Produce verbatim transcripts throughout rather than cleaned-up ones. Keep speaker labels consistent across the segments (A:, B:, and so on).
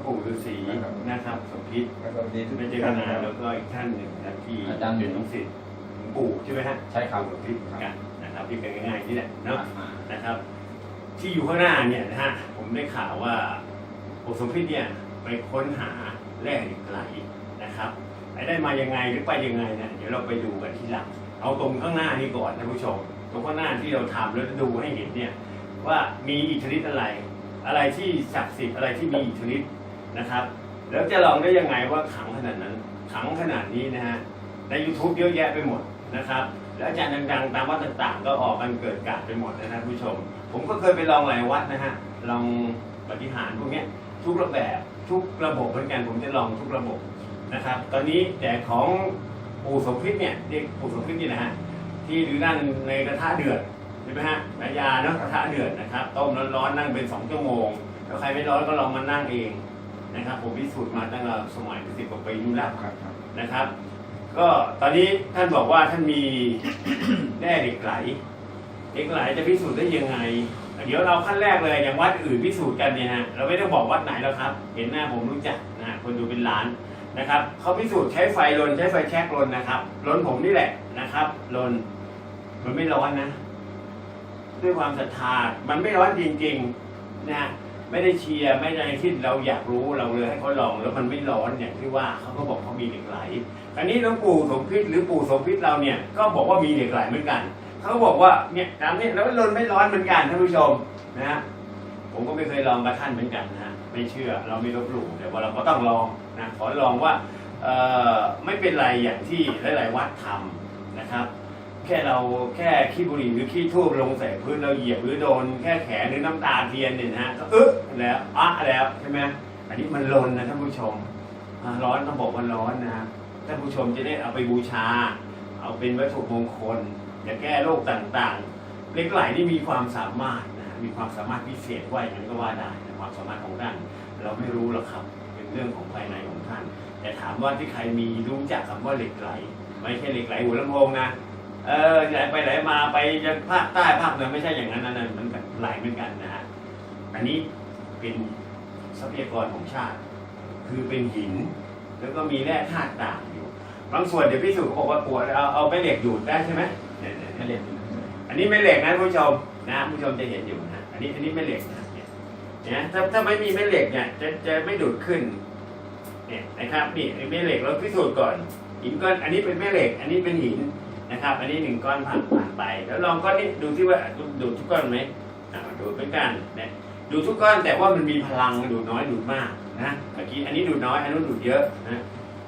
A: ปู่ฤาษีนะครับสมพิษไม่เจอกันนานแล้วก็อีกท่านหนึ่งนะที่เป็นลูกศิษย์หลวงปู่ใช่ไหมฮะ
B: ใช่ครับ
A: สมพิษกันนะครับที่เป็นง่ายๆนี่แหละเนาะนะครับที่อยู่ข้างหน้าเนี่ยนะฮะผมได้ข่าวว่าปู่สมพิษเนี่ยไปค้นหาแร่เหล็กไหลนะครับไปได้มายังไงหรือไปยังไงเนี่ยเดี๋ยวเราไปดูกันทีหลังเอาตรงข้างหน้านี้ก่อนท่านผู้ชมตรงข้างหน้าที่เราทำแล้วดูให้เห็นเนี่ยว่ามีอิทธิฤทธิ์อะไรอะไรที่ศักดิ์สิทธิ์อะไรที่มีอิทธิฤทธิ์นะครับแล้วจะลองได้ยังไงว่าขังขนาดนั้นขังขนาดนี้นะฮะใน ยูทูบ เยอะแยะไปหมดนะครับแล้วอาจารย์ดังๆตามวัดต่างๆก็ออกกันเกิดกาดไปหมดนะท่านผู้ชมผมก็เคยไปลองหลายวัดนะฮะลองปฏิหารพวกนี้ทุกระแบบทุกระบบเหมือนกันผมจะลองทุกระบบนะครับตอนนี้แต่ของปู่สมพิษเนี่ยเรียกปู่สมพิษนี่นะฮะที่ดูนั่งในกระทะเดือดใช่ไหมฮะนายาเนาะกระทะเดือดนะครับต้มร้อนๆนั่งเป็นสองชั่วโมงถ้าใครไม่ร้อนก็ลองมานั่งเองนะครับผมพิสูจน์มาตั้งแต่สมัยสิบกว่าปีนู่นแล้วนะครับก็ตอนนี้ท่านบอกว่าท่านมีแร่เหล็กไหลเหล็กไหลจะพิสูจน์ได้ยังไงเดี๋ยวเราขั้นแรกเลยอย่างวัดอื่นพิสูจน์กันเนี่ยฮะเราไม่ต้องบอกวัดไหนแล้วครับเห็นหน้าผมรู้จักนะคนดูเป็นล้านนะครับเขาพิสูจน์ใช้ไฟลนใช้ไฟแช็กลนนะครับลนผมนี่แหละนะครับลนมันไม่ร้อนนะด้วยความศรัทธามันไม่ร้อนจริงๆนะไม่ได้เชียร์ไม่ได้ที่เราอยากรู้เราเลยให้เขาลองแล้วมันไม่ร้อนอย่างที่ว่าเขาก็บอกเขามีเหล็กไหลอันนี้หลวงปู่สมพิษหรือปู่สมพิษเราเนี่ยก็บอกว่ามีเหล็กไหลเหมือนกันเขาบอกว่าเนี่ยตามนี้แล้วลนไม่ร้อนเหมือนกันท่านผู้ชมนะฮะผมก็ไม่เคยลองกับท่านเหมือนกันนะไม่เชื่อเราไม่ลบหลู่แต่ว่าเราก็ต้องลองนะขอลองว่าเอ่อไม่เป็นไรอย่างที่หลายๆวัดทำนะครับแค่เราแค่ขี้บุหรี่หรือขี้ทูบลงใส่พื้นเราเหยียบหรือโดนแค่แขนหรือน้ำตาเทียนเนี่ยนะฮะก็อึ๊ะแล้วอ่ะแล้วใช่ไหมอันนี้มันลนนะท่านผู้ชมร้อนต้องบอกว่าร้อนนะท่านผู้ชมจะได้เอาไปบูชาเอาเป็นวัตถุมงคลจะแก้โรคต่างๆเหล็กไหลนี่มีความสามารถนะมีความสามารถพิเศษว่าอย่างนั้นก็ว่าได้นะความสามารถของท่านเราไม่รู้หรอกครับเป็นเรื่องของภายในของท่านแต่ถามว่าที่ใครมีรู้จักคำว่าเหล็กไหลไม่ใช่เหล็กไหลหัวลำโพงนะเออไหลไปไหลมาไปยังภาคใต้ภาคเหนือไม่ใช่อย่างนั้นนะมันแบบไหลเหมือนกันนะฮะอันนี้เป็นทรัพยากรของชาติคือเป็นหินแล้วก็มีแร่ธาตุต่างอยู่บางส่วนเดี๋ยวพี่สุบอกว่าปวดเอาเอาไปเหล็กดูดได้ใช่ไหมเนี่ยไม่เหล็กอันนี้ไม่เหล็กนะผู้ชมนะผู้ชมจะเห็นอยู่นะอันนี้อันนี้ไม่เหล็กนะเนี่ยถ้าถ้าไม่มีแม่เหล็กเนี่ยจะจะไม่ดูดขึ้นเนี่ยนะครับนี่แม่เหล็กเราพิสูจน์ก่อนหินก้อนอันนี้เป็นแม่เหล็กอันนี้เป็นหินนะครับอันนี้หนึ่งก้อนผ่านผ่านไปแล้วลองก้อนนี้ดูที่ว่าดูดทุกก้อนไหมดูดเป็นกันเนี่ยดูทุกก้อนแต่ว่ามันมีพลังดูดน้อยดูดมากนะเมื่อกี้อันนี้ดูดน้อยอันนู้นดูดเยอะนะ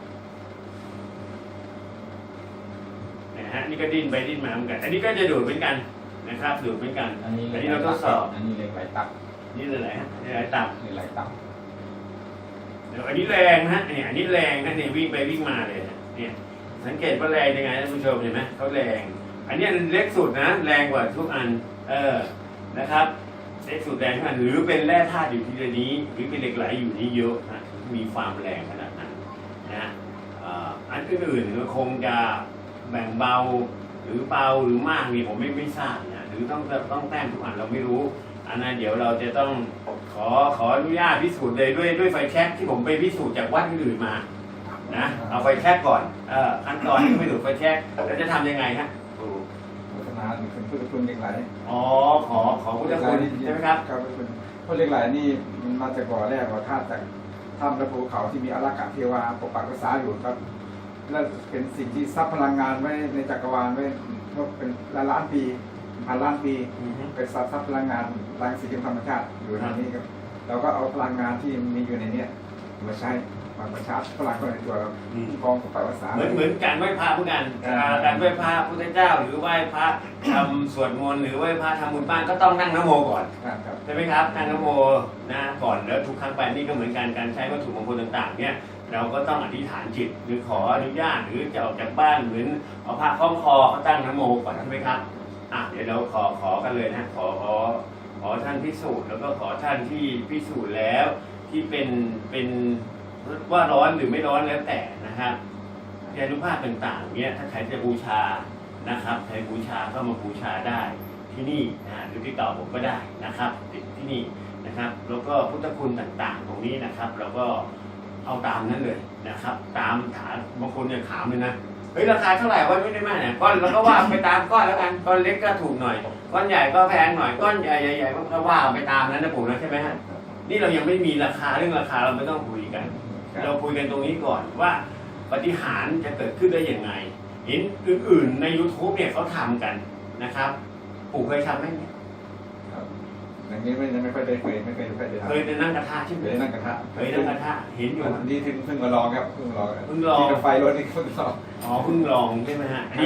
A: นะฮะนี่ก็ดิ้นไปดิ้นมาเหมือนกันอันนี้ก็จะดูดเหมือนกันนะครับดูดเหมือนกันอันนี้อันนี้เราทดสอบ
B: อันนี้เหล็กไหลตับ
A: นี่เลยอะไรฮะเหล็กไหลตับ
B: เหล็กไหลตับ
A: เดี๋ยวอันนี้แรงนะเนี่ยอันนี้แรงนะเนี่ยวิ่งไปวิ่งมาเลยเนี่ยสังเกตว่าแรงยังไงท่านผู้ชมเห็นไหมเขาแรงอันนี้เล็กสุดนะแรงกว่าทุกอันเออนะครับเล็กสุดแรงขนาดหรือเป็นแร่ธาตุอยู่ที่นี้หรือเป็นเหล็กไหลอยู่นี้เยอะนะมีความแรงขนาดนั้นนะอันอื่นๆก็คงจะแบ่งเบาหรือเบาหรือมากนี่ผมไม่ไม่ทราบนะหรือต้องต้องแต้มทุกอันเราไม่รู้อันนั้นเดี๋ยวเราจะต้องขอขออนุญาตพิสูจน์เลยด้วยด้วยไฟแช็กที่ผมไปพิสูจน์จากวัดอื่นมานะเอาไฟแช็กก่อนเออขั้นตอนที่ไปดูไฟแช็กแล้วจะทำยังไงฮะ
B: พัฒนาเป็นพุทธคุณเหล็กไหล
A: อ๋อขอขอพุทธคุณใช่ไหมครับ
B: ครับพุทธเหล็กไหลนี่มันมาจากบ่อแรกบ่อธาตุจากถ้ำและภูเขาที่มีอารักขาเทวาปกปักรักษาอยู่ครับและเป็นสิ่งที่ซับพลังงานไว้ในจักรวาลไว้เป็นล้านล้านปีพันล้านปีเป็นซับซับพลังงานรังสีธรรมชาติอยู่ในนี้ครับเราก็เอาพลังงานที่มีอยู่ในนี้มาใช้มาประชาร์จพลังในตัวเรากองปกปักรักษา
A: เหมือนเหมือนการไหว้พระพุทธกันการไหว้พระพุทธเจ้าหรือไหว้พระทำสวดมนต์หรือไหว้พระทำบุญบ้านก็ต้องนั่งนโมก่อนใช่ไหมครับนั่งนโมนะก่อนแล้วทุกครั้งไปนี่ก็เหมือนกันการใช้วัตถุมงคลต่างๆเนี่ยเราก็ต้องอธิษฐานจิตหรือขออนุญาตหรือจะออกจากบ้านเหมือนเอาผ้าคล้องคอเขาตั้งนโมก่อนใช่ไหมครับอ่ะเดี๋ยวเราขอขอกันเลยนะขอขอขอท่านพิสูจน์แล้วก็ขอท่านที่พิสูจน์แล้วที่เป็นเป็นว่าร้อนหรือไม่ร้อนแล้วแต่นะครับยานุภาพต่างๆเนี่ยถ้าใครจะบูชานะครับใครบูชาก็มาบูชาได้ที่นี่นะหรือที่เก่าผมก็ได้นะครับติดที่นี่นะครับ แล้วก็พุทธคุณต่างๆ ตรงนี้นะครับ เราก็เอาตามนั้นเลยนะครับ ตามฐานบางคนเนี่ยถามเลยนะเฮ้ยราคาเท่าไหร่วะไม่ได้มากเนี่ยก้อนเราก็ว่าไปตามก้อนแล้วกันก้อนเล็กก็ถูกหน่อยก้อนใหญ่ก็แพงหน่อยก้อนใหญ่ใหญ่ๆก็ว่าไปตามนั้นนะผมนะใช่ไหมฮะนี่เรายังไม่มีราคาเรื่องราคาเราไม่ต้องคุยกัน เราคุยกันตรงนี้ก่อนว่าปาฏิหาริย์จะเกิดขึ้นได้ยังไงเห็นอื่นๆใน YouTube เนี่ยเขาทำกันนะครับปู่เคยทำไหมเนี่ย
B: ครับอย่างนี้ไม่ยังไม่ค่อยได้เคยไม่เคยไม่เคยได้ทำ
A: เคยไปนั่งกระทะใช่ไหม
B: เคยนั่งกระทะ
A: เคยนั่งกระทะเห็นอยู่
B: อันนี้เพิ่งเพิ่งมาลองครับเพิ่งมาลอง
A: เพิ่งลอง
B: ที่รถไฟรถนี่เพิ่งลอง
A: อ๋อเพิ่งลองใช่ไหมฮะอันนี้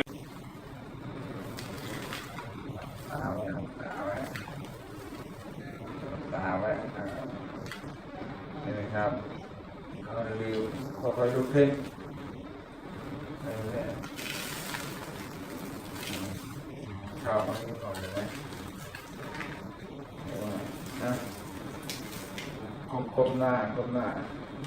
B: ตาไว้ตาไว้ตาไว้นี่นะครับเราลืมค่อยๆดูเพลงเข้ามาก่อนเลยนะนะคมหน้าคมหน้า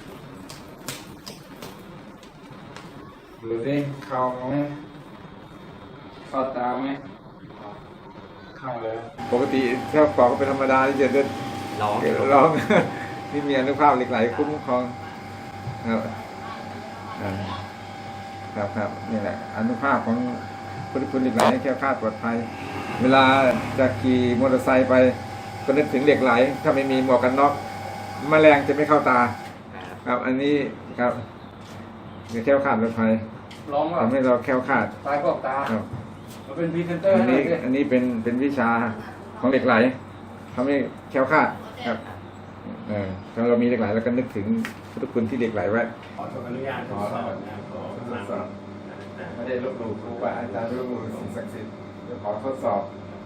B: ดูสิเข้าไหมเข้าตาไหมเข้าเลยปกติถ้าปอกก็เป็นธรรมดาที่จะเดิน
A: ลอง
B: ร้อง ที่มีอนุภาพเหล็กไหลคุ้มครองครับอ่าครับครับนี่แหละอนุภาพของพุทธคุณเหล็กไหลให้แคล้วคลาดปลอดภัยเวลาจะขี่มอเตอร์ไซค์ไปก็นึกถึงเหล็กไหลถ้าไม่มีหมวกกันน็อกแมลงจะไม่เข้าตาครับอันนี้ครับจะแคล้วคลาดปลอดภัย
C: ร้องว่า
B: ทำให้เราแคล้วคลาด
C: ตายพวกตา
B: ครับ
C: มาเป็นพรีเซนเตอร์
B: อัน
C: ให้หน่
B: นี้
C: อยสิ
B: อันนี้เป็นเป็นวิชาของเหล็กไหลทำให้แคล้วคลาดครับเออถ้าเรามีเหล็กไหลเราก็นึกถึงพุทธคุณที่เหล็กไหลไว้
A: ขออนุญาตทดสอบนะขอทดสอบนะ
B: ไม่ได้ลบหลู่ครูบาอาจารย์ลบหลู่สิ่งศักดิ์สิทธิ์เดี๋ยวขอทดสอบ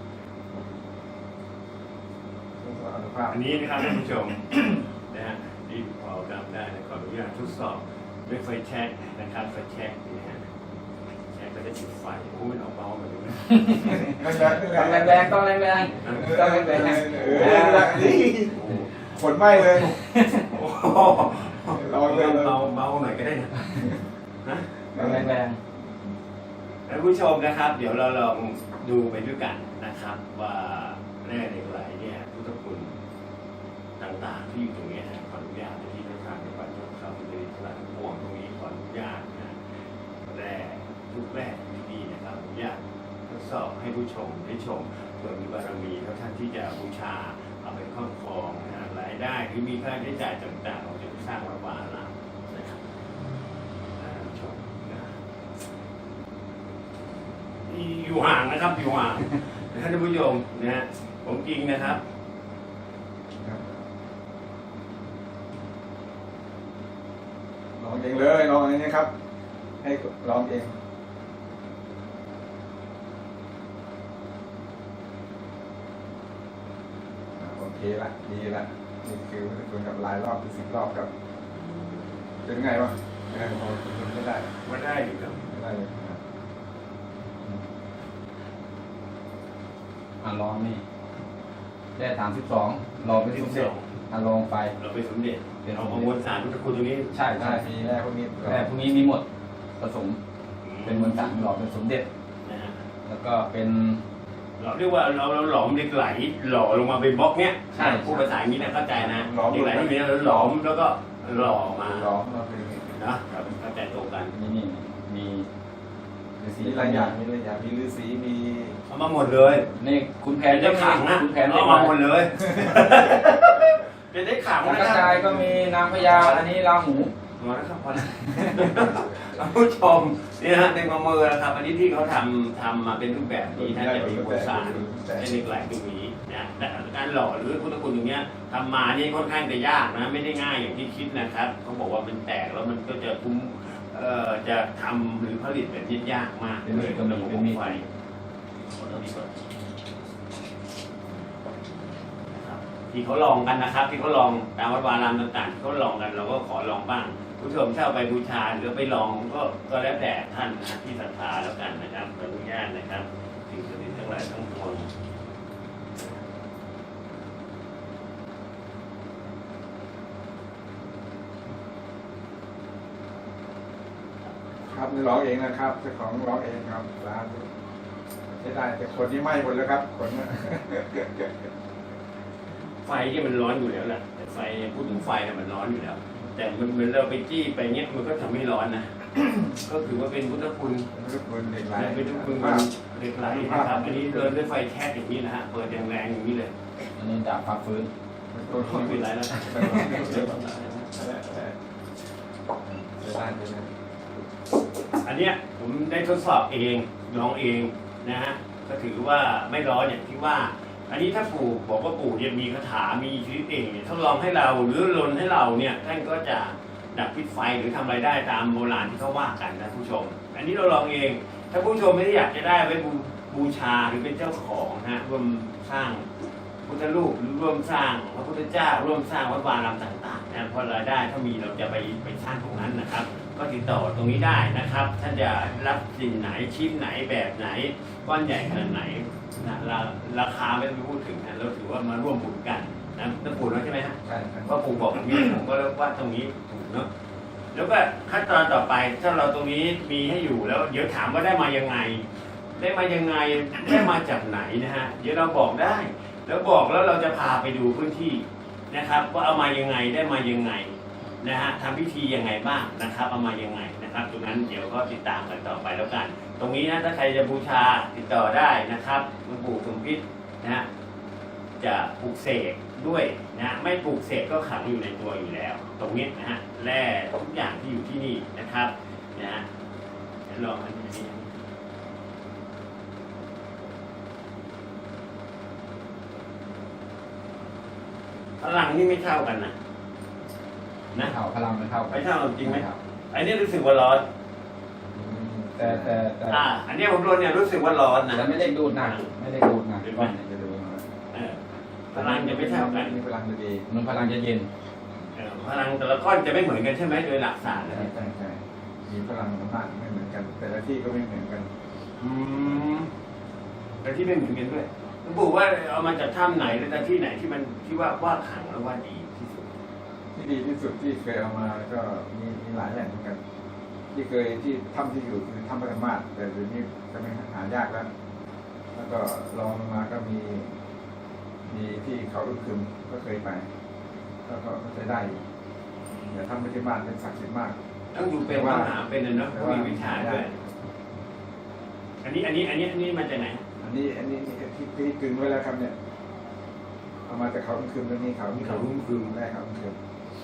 B: ทดสอบอนุภาพ
A: อันนี้นะครับท่านผู้ชม นะฮะที่พอจำได้นะขออนุญาตทดสอบด้วยไฟแช็กนะครับไฟแช็กนี่ฮะแช็กก็จะจุดไฟโอ้ยมันเอาเบาแบบนี้นะ
C: ต้องแรงๆต้องแรงๆต้องแรง
B: เออขนไหมเลย
A: โอ้โห
B: ลองเลย
A: เบาเบาหน่อยก็ได้นะนะ
C: ๆต้องแรง
A: ท่านผู้ชมนะครับ เดี๋ยวเราลองดูไปด้วยกันนะครับ ว่าแร่เหล็กไหลเนี่ยพุทธคุณต่างๆที่อยู่ตรงนี้นะขออนุญาตที่ท่านทางในวัดยกเข้าไปในตลาดพวงตรงนี้ขออนุญาตนะแร่ทุกแร่ที่ดีนะครับอนุญาตทดสอบให้ผู้ชมได้ชมเผื่อมีบารมีแล้วท่านที่จะบูชาเอาไปครอบครองนะรายได้หรือมีค่าใช้จ่ายต่างๆเราจะสร้างวัดวาอารามนะครับท่านผู้ชมนะ อยู่ห่างนะครับอยู่ห่างท่านผู้ชมนะฮะผมจริงนะครับ
B: ลองเองเลยลองอย่างนี้ครับ ให้ลองเองโอเคละดีละนี่คือพุทธคุณกับหลายรอบเป็นสิบรอบกับเป็นไงวะเออพอไม่ได้
A: ว่าได้อยู่ครับ
B: ไม่ได้เลยครับ
C: ๆอ่ะลองนี่ได้สามสิบสองลองไปสมเด็จอ่ะลองไป
A: เราไปสมเด็จเอาประมวลสารพุทธคุณตรงนี้
C: ใช่
B: ได้
C: ใช่
B: มีแร่พวกนี้
C: แต่พวกนี้มีหมดผสมเป็นมวลสารหล่อเป็นสมเด็จ
A: นะฮะ
C: แล้วก็เป็น
A: เราเรียกว่าเราเราหลอมเหล็กไหลหล่อลงมาเป็นบล็อกเนี้ย
C: ใช่
A: พูดภาษาอย่างนี้นะเข้าใจนะเหล็กไหลที่มีเราหลอมแล้วก็หล่อมา
B: ล้อมเราเป็น
A: นะครับเข้าใจตรงกัน
C: นี่นี่มีฤาษี
B: มีหลายอย่างมีหลายอย่างมีฤาษีมี
A: เอามาหมดเลย
C: นี่คุณแผ
A: แผ
C: น
A: นได้ขังนะ
C: คุณแผน
A: เอามาหมดเลยจะได้ขัง
C: สัง
A: นะ
C: ก
A: ค
C: จา
A: รั
C: ย
A: บ
C: ก็มีนางพญาอันนี้ราหู
A: พอแล้วครับพอแล้วท่านผู้ชมนี่ฮะในมือมือนะครับ อันนี้ที่เขาทำทำมาเป็นรูปแบบนี้ท่านจะมีบทสารเป็นเหล็กไหลตรงนี้นะแต่การหล่อหรือพุทธคุณตรงเนี้ยทำมานี่ค่อนข้างจะยากนะไม่ได้ง่ายอย่างที่คิดนะครับเขาบอกว่ามันแตกแล้วมันก็จะคุ้มเอ่อจะทำหรือผลิตแบบนี้ยากมากเลยกับระบบไฟขอเท่านี้ก่อนนะครับที่เขาลองกันนะครับ ที่เขาลองตามวัดวารามต่างๆที่เขาลองกันเราก็ขอลองบ้าง ผู้ชมเช่าไปบูชาหรือไปลองก็ก็แล้วแต่ท่านนะที่ศรัทธาแล้วกันนะครับขออนุญาตนะครับสิ่งศักดิ์สิทธิ์ทั้งหลายทั้งปวง
B: ครับนี่ร้องเองนะครับเจ้าของร้องเองครับร้านใช้ได้แต่คนนี้ไหม้หมดแล้วครับขนน่ะ
A: ไฟเนี่ยมันร้อนอยู่แล้วแหละแต่ไฟพูดถึงไฟเนี่ยมันร้อนอยู่แล้ว แต่มันเหมือนเราไปจี้ไปเงี้ยมันก็ทำให้ร้อนนะ ก็ถือว่าเป็นพุทธคุณ
B: ทุกคนเหล็กไหล
A: และเป็นพุทธคุณมันเหล็กไหลนะครับอันนี้เดินด้วยไฟแคบอย่างนี้นะฮะเปิดแรงๆอย่างนี้เลย
C: อันนี้ดาบฟักฟื้น
A: ไม่เป็นไรแล้ว อันเนี้ยผมได้ทดสอบเองลองเองนะฮะก็ถือว่าไม่ร้อนอย่างที่ว่า อันนี้ถ้าปู่บอกว่าปู่เนี่ยมีคาถามีชีวิตเองเนี่ยทดลองให้เราหรือลนให้เราเนี่ยท่านก็จะดับพิษไฟหรือทำอะไรได้ตามโบราณที่เขาว่ากันนะผู้ชม อันนี้เราลองเอง ถ้าผู้ชมไม่ได้อยากจะได้ไว้บูบูชาหรือเป็นเจ้าของนะฮะร่วมสร้างพุทธรูปหรือร่วมสร้างพระพุทธเจ้าร่วมสร้างวัดวารามต่างๆนะพอรายได้ถ้ามีเราจะไปไปสร้างตรงนั้นนะครับ ก็ติดต่อตรงนี้ได้นะครับท่านจะรับสิ่งไหนชิ้นไหนแบบไหนก้อนใหญ่ขนาดไหนนะราราคาไม่ต้องพูดถึงนะเราถือว่ามาร่วมบุญกันนะน้ำปูแล้วใช่ไหมฮะ
B: ใช่ครับ
A: ว่าปู่บอกแบบนี้ผมก็ว่าตรงนี้ถูกเนาะแล้วก็ขั้นตอนต่อไปถ้าเราตรงนี้มีให้อยู่แล้วเดี๋ยวถามว่าได้มายังไง ได้มายังไงได้มาจากไหนนะฮะเดี๋ยวเราบอกได้ แล้วบอกแล้วเราจะพาไปดูพื้นที่นะครับ ว่าเอามายังไงได้มายังไงนะฮะทำพิธียังไงบ้างนะครับเอามายังไงนะครับตรงนั้นเดี๋ยวก็ติดตามกันต่อไปแล้วกัน ตรงนี้นะถ้าใครจะบูชาติดต่อได้นะครับหลวงปู่สมพิษนะฮะจะปลูกเสกด้วยนะไม่ปลูกเสกก็ขังอยู่ในตัวอยู่แล้ว ตรงนี้นะฮะแร่ทุกอย่างที่อยู่ที่นี่นะครับนะฮะเดี๋ยวลองอันนี้พลังนี่ไม่เท่ากันนะ
C: ไม่
A: นะ
C: เท่าพลังไม่เท่ากัน
A: ไม่เท่าจริงไหม
C: ครับ
A: อันนี้รู้สึกว่าร้อน
C: แต่แต่แต่
A: อ่า อันนี้ผมโดนเนี่ยรู้สึกว่าร้อนนะ
C: แต่ไม่ได้ดูดหนักไม่ได้ดูดหนักก้อนเนี่ยจะดูดหนัก
A: เออพลังจะไม่เท่ากัน
B: มีพลังดี
C: มันพลังจะเย็น
A: เออพลังแต่ละก้อนจะไม่เหมือนกันใช่ไหมโดยหลักศาสตร์
B: ใช่
A: นะ
B: ใช่ใช่มีพลังมากไม่เหมือนกัน แต่ละที่ก็ไม่เหมือนกัน
A: อืมแต่ที่ไม่เหมือนกันด้วยหลวงปู่ว่าเอามาจากถ้ำไหนหรือจากที่ไหนที่มันที่ว่าว่าขังแล้วว่าดีที่สุด
B: ที่ดีที่สุดที่เคยเอามาก็มีมีหลายแหล่งเหมือนกัน ที่เคยที่ถ้ำที่อยู่คือถ้ำพระธรรมาสแต่เดี๋ยวนี้จะไม่หายากแล้ว แล้วก็ลองลงมาก็มี มีที่เขาลูกคืมก็เคยไปแล้วก็ใช้ได้อยู่แต่ถ้ำพระธรรมาสเป็นศักดิ์สิทธิ์มาก
A: ต้องอยู่เป็นมหาเป็นนะเนาะต้องมีวิชาด้วยอันนี้อันนี้อันนี้อันนี้มาจากไหน
B: อันนี้อันนี้ที่ที่กึ่งไว้แล้วครับเนี่ยเอามาจากเขาลูกคืมตรงนี้เขา
A: เขารุ่งคืน
B: แรกเขาลูกคืม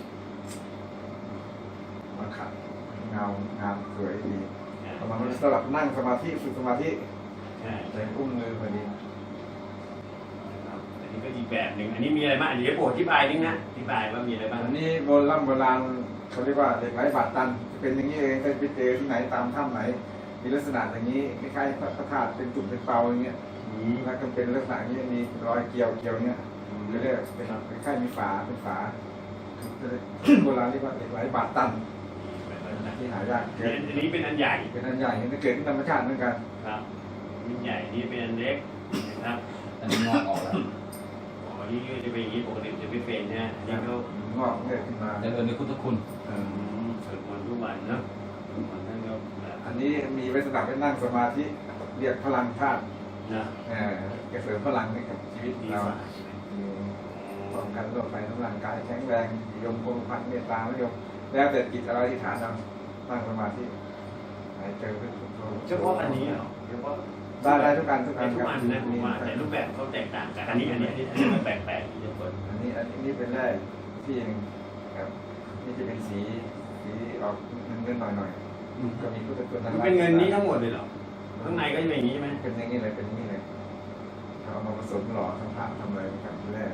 B: มาขัดเงางามสวยดีเอามาสำหรับนั่งสมาธิฝึกสมาธิ
A: ใช่
B: ใส่อุ้งมือพอดี
A: ครับอันนี้ก็อีกแบบหนึ่งอันนี้มีอะไรบ้างอันนี้โปรดอธิบายนิดนะอธิบายว่ามีอะไรบ้าง
B: อันนี้โบราณโบราณเขาเรียกว่าเหล็กไหลบาดตันเป็นอย่างนี้เองเคยไปเจอที่ไหนตามถ้ำไหน มีลักษณะอย่างนี้คล้ายๆพระธาตุเป็นจุ่มเป็นเปาอย่างเงี้ย
A: อืม
B: แล้วก็เป็นลักษณะอย่างนี้มีรอยเกลียวเกลียวเนี้ยเรียกเป็นคล้ายๆมีฝาเป็นฝาโบราณเรียกว่าเหล็กไหลบาดตันที่หายากเกิด
A: อันนี้เป็นอันใหญ่
B: เป็นอันใหญ่เกิดที่ธรรมชาติเหมือนกัน
A: ครับอันใหญ่นี่เป็นอันเล็กนะครับ
C: อันนี้งอกออกแล้ว
A: อ๋อนี่ก็จะเป็นอย่างนี้ปกติจะไม่เป็นนะอันนี้ก็
B: งอกเกิดขึ้นมา
C: เจริญในพุทธคุณ
B: เอ
A: อื
B: อ
A: มสวดมนต์ทุกวันเนอะสวดมนต์นั่นก็แบบ
B: อันนี้มีไว้สำหรับไปนั่งสมาธิเรียกพลังธาตุ
A: นะ
B: เออเสริมพลังให้กับชีวิต
A: ดี
B: เรา
A: กว่าใช่ไหม
B: ป้องกันโรคภัยทั้งร่างกายแข็งแรงยมคงพันเมตตาไม่ยมแล้วแต่จิตอะไรที่ฐานเรานั่งสมาธิหายเจอเป็น
A: เฉพาะอันนี้เหรอเฉพาะ
B: ได้ได้ทุกการทุก
A: ได้
B: การ
A: ทุกอันนะผมว่าแต่รูปแบบเขาแตกต่างกันอันนี้อันนี้อันนี้อันนี้มันแปลกๆที่จะเปิด
B: อันนี้อันนี้เป็นแร่ที่หนึ่งครับนี่จะเป็นสีสีออกเงินๆหน่อยๆก็มีพุทธคุณ
A: มันเป็นเงินนี้ทั้งหมดเลยเหรอข้างในก็จะเป็นอย่างนี้ใช่ไหม
B: เป็นอย่างนี้เลยเป็นอย่างนี้เลยเอามาผสมหล่อทำผ้าทำอะไรนะครับแร่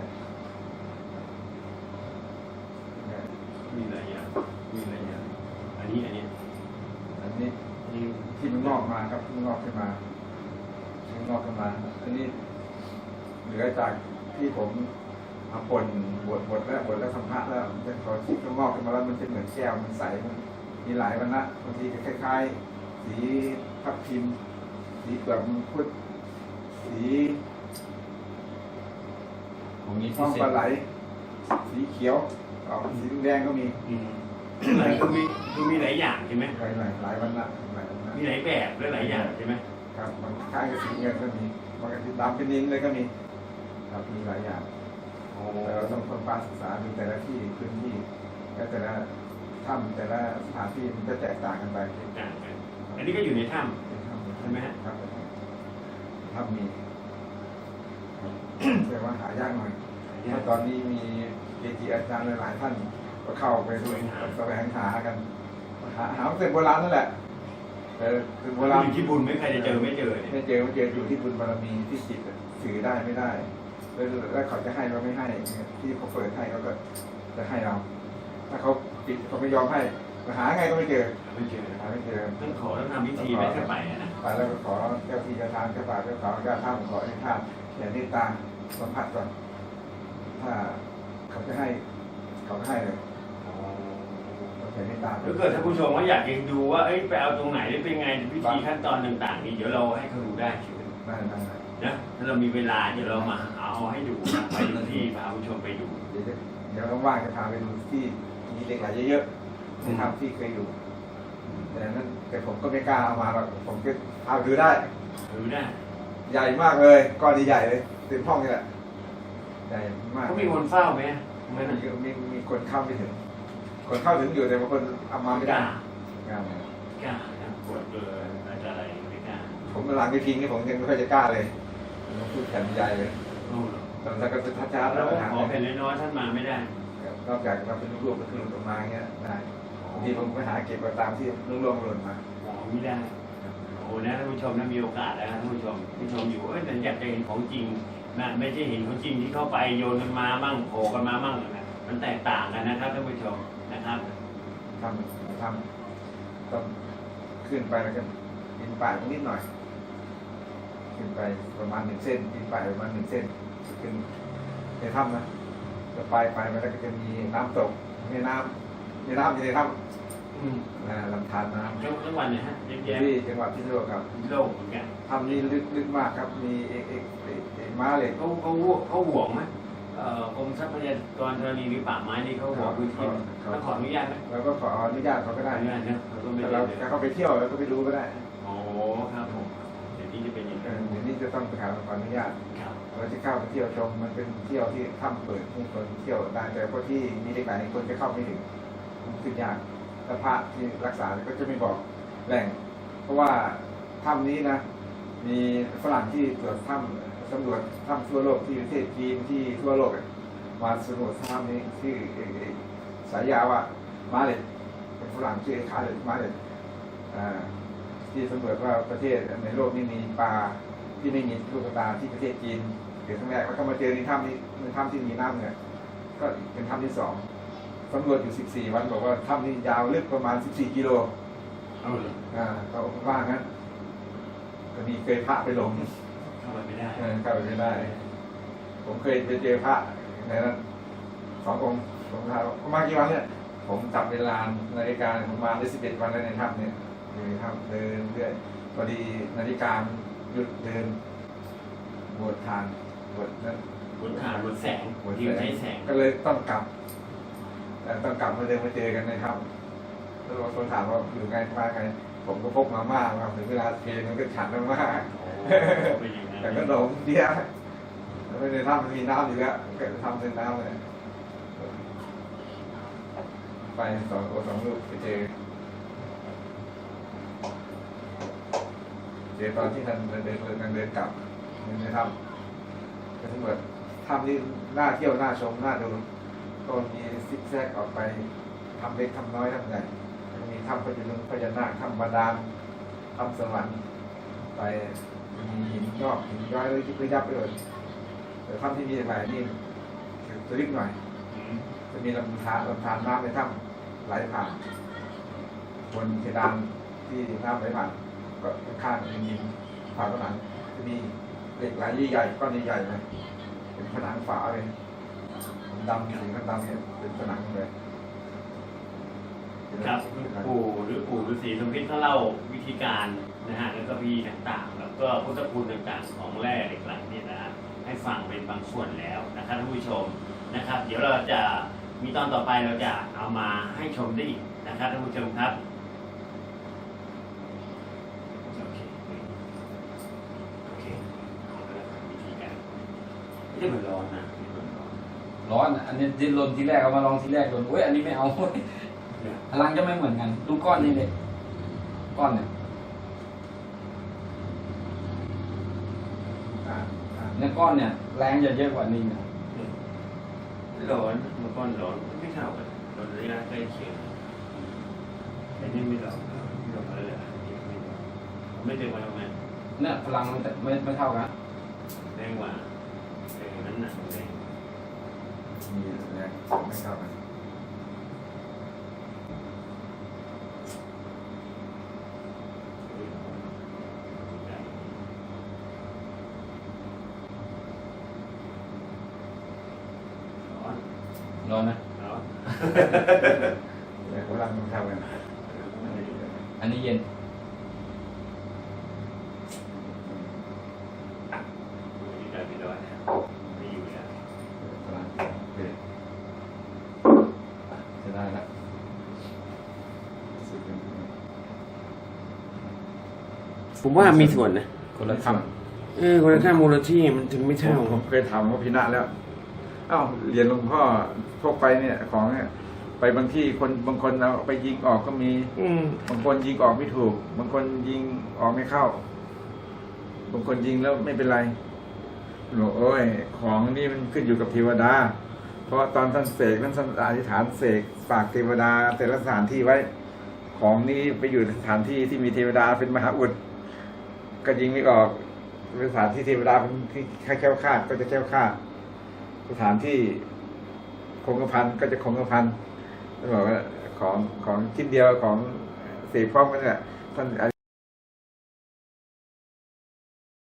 A: มีหลายอย่างมีหลายอย่างอันนี้อันนี้
B: อันนี้
A: อันนี้
B: ที่มันงอกมาครับที่งอกขึ้นมาที่งอกขึ้นมาอันนี้เหลือจากที่ผมเอาป่นบดบดแล้วบดแล้วทำพระแล้วเป็นพอที่มันงอกขึ้นมาแล้วมันจะเหมือนแก้วมันใสมันมีหลายวันนะบางทีก็คล้ายๆสีทับทิมสีเปลือกมังคุดสี
C: ผมมี
B: ท้
C: พิ
B: อง
C: เศ
B: ปลา
C: ษ
B: ไหลสีเขียวออกสีแดงก็มี
A: อืมหลายคือมีคือมีหลายอย่างใช่ไหม
B: หลายหลายหลายวันนะหลายวันนะ
A: มีหลายแบบและหลายอย่างใช่ไหม
B: ครับบางคล้ายกับสีเงินก็มีบางทีดำเป็นนินเลยก็มีครับมีหลายอย่าง
A: โอ้
B: แต่เราต้องค้นคว้าศึกษาดูแต่ละที่พื้นที่และแต่ละถ้ำแต่ละสถานที่มันจะแตกต่างกันไป
A: ต่างกันอันนี้ก็อยู่ในถ้
B: เป็นถ้ำ
A: ใช่ไหมฮะ
B: ครับถ้ำมีแต่ว่าหายากหน่อย
A: ำ
B: เพราะตอนนี้มีเกจิอาจารย์หลายๆท่านก็เข้าไปด้วยแสวงหากันหาหาเส้นโบราณนั่นแหละแต่ถึงโบราณ
A: อยู่ที่บุญไม่ใครจะเจอไม่เจอเนี่ย
B: ไม่เจอไม่เจออยู่ที่บุญบารมีที่จิตสื่อได้ไม่ได้แล้วแล้วเขาจะให้เราไม่ให้ที่เขาเปิดให้เขาก็จะให้เรา ถ้าเขาปิดเขาไม่ยอมให้หาไงก็ไม่เจอ
A: ไม่เจอ
B: หาไม่เจอ
A: ต้องขอต้องทำพิธีไม่ใช่ไปนะ
B: ไปแล้วก็ขอเจ้าที่เจ้าทางเจ้าป่าเจ้าเขาเจ้าท่าขอให้ท่านอย่าเมตตาสัมผัสก่อนถ้าเขาจะให้เขาก็ให้เลยเขาจะเมตตา
A: ถ้าเกิดท่านผู้ชมว่าอยากจะดูว่าเอ้ยไปเอาตรงไหนได้เป็นไงพิธีขั้นตอนต่างๆนี่เดี๋ยวเราให้เขาดูได้ใช่ไหม
B: ได้ได้ได้
A: นะถ้าเรามีเวลาเดี๋ยวเรามาเอาให้ดูนะไปดูที่พาผู้ชมไปดู
B: เดี๋ยวจะเดี๋ยวว่างๆจะพาไปดูที่มีเหล็กไหลเยอะๆในถ้ำที่เคยอยู่แต่นั้นแต่ผมก็ไม่กล้าเอามาหรอกผมก็เอาดูได้
A: ดูได้
B: ใหญ่มากเลยก้อนใหญ่ๆเลยเต็มห้องนี่แหละใหญ่มาก
A: เขามีคนเฝ้าไหม
B: ไม่มีมีมีคนเข้าไม่ถึง คนเข้าถึงอยู่แต่บางคนเอามาไม่ได้งาน
A: กล้านะปวดเบอร์อะไรไม่กล้า
B: ผมกำลังไปพิงนี่ผมยังไม่ค่อยจะกล้าเลยผมพูดแผ่นใหญ่เลย
A: โอ้
B: ตอนนั้นก็จะทัดช้า
A: แล้
B: แล้ว ว
A: ข
B: หา
A: อแผ่นน้อยๆท่านมาไม่ได้
B: นอกจากเราเป็นรูปๆก็คือหลุดออกมาเงี้ยได้บางทีผมไปหาเก็บมาตามที่ล่วงๆหล่นมา
A: หมอไม่ได้โอ้นะท่านผู้ชมนะมีโอกาสแล้วท่านผู้ชมผู้ชมอยู่เอ้ยแต่อยากจะเห็นของจริงนะไม่ใช่เห็นของจริงที่เข้าไปโยนกันมามั่งโผล่กันมามั่งนะมันแตกต่างกันนะครับท่านผู้ชมนะครับ
B: ทำทำต้องขึ้นไปแล้วก็ดินป่ายนิดหน่อย ขึ้นไปประมาณหนึ่งเส้นดินป่ายประมาณหนึ่งเส้นขึ้นในถ้ำนะจะไปไปมันก็จะมีน้ำตกมีน้ำมีน้ำอยู่ในถ้
A: อืม
B: ำนะลำธารน้ำ
A: จังจังหวัดไหนฮะเยอะ
B: ที่
A: แยะ
B: จังหวัดพิษณุโลกครับ
A: โลกเหมือนกัน
B: ถ้ำนี้ลึกลึกมากครับ มีเอกเอกเอกเอกม้าเหล็ก
A: เขาเขาเขาห่วงไหมเอ่อกรมทรัพยากรธรณีหรือป่าไม้นี่เขาห่วงพื้นที่เขาขออนุญาตไหม
B: แล้วก็ขออนุญาตเขาก็
A: ขอ
B: ได้
A: อนุญาตนะเขาก็ไม่
B: แต่
A: ได้
B: เรา
A: เลย
B: ถ้าเขาไปเที่ยวแล้วก็ไปดูก็ได้
A: โอ้ครับผมเดี๋ยวนี้จะเป็นอย่าง
B: เอ
A: นั้
B: อน เดี๋ยวนี้จะต้องไปหาขออนุญาต
A: ครับ
B: เราจะเข้าไปเที่ยวชมมันเป็นเที่ยวที่ถ้ำเปิดให้คนเที่ยวได้แต่พวกที่มีเด็กหลายคนจะเข้าไม่ถึงมันขึ้นยากแล้วพระที่รักษาก็จะไม่บอกแหล่ง เพราะว่าถ้ำนี้นะ มีฝรั่งที่ตรวจถ้ำสำรวจถ้ำทั่วโลกที่ประเทศจีนที่ทั่วโลกอะมาสำรวจถ้ำนี้ชื่อเอ่อสายยาว่ามาเลตเป็นฝรั่งชื่อคาเลตมาเลตอ่าที่สำรวจว่าประเทศในโลกนี้มีปลาที่ไม่มีลูกตาที่ประเทศจีนเกิดครั้งแรกแล้วก็มาเจอในถ้ำนี้ในถ้ำที่มีน้ำเนี่ยก็เป็นถ้ำที่สองสำรวจอยู่สิบสี่วันบอกว่าถ้ำนี้ยาวลึกประมาณสิบสี่กิโล
A: เอาเลย
B: อ่าเขาว่างั้นก็มีเคยพระไปหลง
A: เข้าไปไม่ได้
B: เออเข้าไปไม่ได้ ผมเคยไปเจอพระในนั้นสององค์ผมถามว่ามากี่วันเนี่ย ผมจับเวลานาฬิกาผมมาได้สิบเอ็ดวันแล้วในถ้ำเนี่ยอยู่ในถ้ำเดินเรื่อยพอดีนาฬิกาหยุดเดินบวชทานบวชนั้น
A: บนฐานบนแสง
B: บวช
A: ที่ใช้แสง
B: ก็เลยต้องกลับแต่ต้องกลับมาเดินมาเจอกันในถ้ำแล้วบางคนถามว่าอยู่ไงมาไง ผมก็พกมาม่ามาถึงเวลาเพลงมันก็ฉันมาม่า
A: โอ้เป็นอย่างนั้น
B: แต่ก็หลงเดียวแล้วในถ้ำมันมีน้ำอยู่แล้วก็ทำเป็นน้ำเลยไปสองโอสองลูกไปเจอเจอตอนที่ท่านเดินเดินเดินเดินกลับในถ้ำก็ทั้งหมดถ้ำนี่น่าเที่ยวน่าชมน่าดูก็มีซิกแซกออกไปทำเล็กทำน้อยทำใหญ่มีถ้ำพญานุพญานาคถ้ำบาดาลถ้ำสวรรค์ไปมีหินงอกหินย้อยเลยยิบเลยยับไปเลยแต่ถ้ำที่มีหลายนี่จะลึกหน่อย
A: อืม
B: จะมีลำธารลำธารน้ำในถ้ำไหลผ่านบนเพดานที่น้ำไหลผ่านก็ข้างๆมีหินผ่านผนังจะมีเหล็กไหลใหญ่ๆก้อนใหญ่ๆเลยเป็นผนังฝาเลยดำสีดำๆเนี่ยเป็นผนังเลย
A: ครับปู่หรือปู่ฤาษีสมพิษเขาเล่าวิธีการนะฮะแล้วก็พิธีต่างๆ แล้วก็พุทธคุณต่างๆของแร่เหล็กไหลเนี่ยนะฮะให้ฟังเป็นบางส่วนแล้วนะครับท่านผู้ชมนะครับ เดี๋ยวเราจะมีตอนต่อไปเราจะเอามาให้ชมได้อีกนะครับท่านผู้ชมครับโอเคโอเคเอาละครับวิธีการไม่ใช่เหมือนร้อนนะไม่เหมือนร้อน
C: ร้อนอันนี้ดิ้นรนทีแรกเอามาลองทีแรกโดนเว้ยอันนี้ไม่เอาเว้ยพลังจะไม่เหมือนกันดูก้อนนี่เลยก้อนเนี่ย
B: อ่าอ่า
C: เนี่ยก้อนเนี่ยแรงจะเยอะกว่านี้นะ
A: ร้อนเมื่อก่อนร้อนไม่เท่ากันร้อนระยะใกล้เคียงแต่นี่ไม่ร้อนไม่ร้อนอะไรเลยไม่เต็มวันทำไม
C: เนี่ยพลังมันจะไม่ไม่เท่ากัน
A: แรงกว่าแรงนั้นหนักแรง
B: มีแรงไม่เท่ากัน
A: ร้อน
C: ร้อนนะ
A: ร้อน
B: แต่พลังมันเท่ากัน
C: อันนี้เย็น
A: มีการปิดด้วยไม่อยู่แล้ว
C: พลังโอเคจะได้ละ
B: สุดเป็น
A: ผมว่ามีส่วนนะ
C: คนละค
A: เออคนละค่ามูลที่มันถึงไม่เท่า
B: ผมเคยถามว่าพินะแล้วเอ้าเรียนหลวงพ่อพวกไปเนี่ยของเนี่ยไปบางที่คนบางคนเอาไปยิงออกก็มี
A: อืม
B: บางคนยิงออกไม่ถูก บางคนยิงออกไม่เข้า บางคนยิงแล้วไม่เป็นไรหลวงโอ้ยของนี่มันขึ้นอยู่กับเทวดา เพราะตอนท่านเสกท่านอธิษฐานเสกฝากเทวดาแต่ละสถานที่ไว้ ของนี้ไปอยู่ในสถานที่ที่มีเทวดาเป็นมหาอุดก็ยิงไม่ออกสถานที่เทวดาเป็นที่แค่แคล้วคลาดก็จะแคล้วคลาดสถานที่คงกระพันก็จะคงกระพันท่านบอกว่าของของชิ้นเดียวของเสกพร้อมกันเนี่ยท่าน